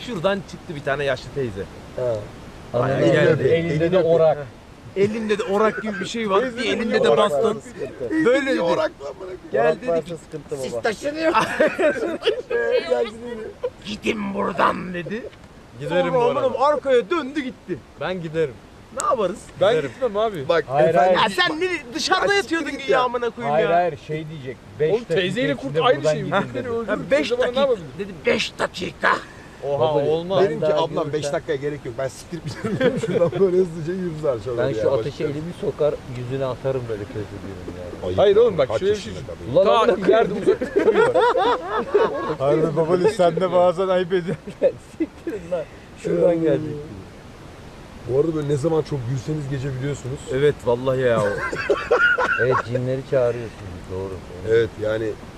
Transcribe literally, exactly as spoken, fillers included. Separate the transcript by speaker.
Speaker 1: Şuradan çıktı bir tane yaşlı teyze.
Speaker 2: Ha.
Speaker 1: Bayağı
Speaker 2: Ananı
Speaker 1: geldi.
Speaker 2: öpüyor. Elinde de orak.
Speaker 1: Elinde de orak gibi bir şey var. Bir
Speaker 2: Teyzenin
Speaker 1: elinde de
Speaker 2: orak
Speaker 1: baston.
Speaker 2: varsa sıkıntı.
Speaker 1: Böyle dedi.
Speaker 3: Orak lan bana.
Speaker 1: Gel
Speaker 2: Orak
Speaker 1: dedi
Speaker 2: varsa
Speaker 1: ki
Speaker 2: sıkıntı
Speaker 1: siz
Speaker 2: baba.
Speaker 1: taşınıyor. Gidin buradan dedi.
Speaker 4: Giderim
Speaker 1: Sonra
Speaker 4: bu
Speaker 1: aman
Speaker 4: arada.
Speaker 1: arkaya döndü gitti.
Speaker 4: Ben giderim.
Speaker 1: Ne yaparız?
Speaker 4: Ben
Speaker 1: Giderim.
Speaker 4: gitmem abi.
Speaker 3: Bak
Speaker 2: Hayır,
Speaker 3: efendim.
Speaker 2: hayır.
Speaker 1: Ya sen ne dışarıda
Speaker 3: Ya
Speaker 1: yatıyordun
Speaker 3: siktir git
Speaker 1: ya
Speaker 3: ya.
Speaker 1: amına koyayım
Speaker 2: Hayır
Speaker 1: ya.
Speaker 2: hayır şey diyecek. beş
Speaker 4: Oğlum teyzeyle
Speaker 2: dakika
Speaker 4: kurt
Speaker 2: içinde
Speaker 4: aynı
Speaker 2: buradan
Speaker 4: şey mi?
Speaker 2: gidin
Speaker 4: Beni
Speaker 2: dedi.
Speaker 4: öldürür.
Speaker 1: Ha, beş
Speaker 4: Teyze bana ne
Speaker 1: dakika
Speaker 4: yapabilir?
Speaker 1: dedi beş dakika.
Speaker 4: Oha
Speaker 2: Baba,
Speaker 4: olmaz.
Speaker 3: Dedim ki
Speaker 2: daha
Speaker 3: ablam
Speaker 2: görürsen-
Speaker 3: beş dakikaya gerek yok. Ben siktir giderim. Şuradan böyle hızlıca yürürüz aşağıya.
Speaker 2: Ben şu ateşe elimi sokar yüzüne atarım böyle kötü diyorum yani.
Speaker 4: Hayır oğlum bak şöyle bir şey.
Speaker 2: Ulan
Speaker 4: Ta
Speaker 2: amına
Speaker 4: ileride uzak duruyor.
Speaker 5: Harbi babalı sen de bazen ayıp ediyorsun.
Speaker 2: Siktirin lan. Şuradan gelecek.
Speaker 3: Bu arada böyle ne zaman çok gülseniz gece biliyorsunuz.
Speaker 1: Evet vallahi ya.
Speaker 2: Evet cinleri çağırıyorsunuz doğru.
Speaker 3: Evet yani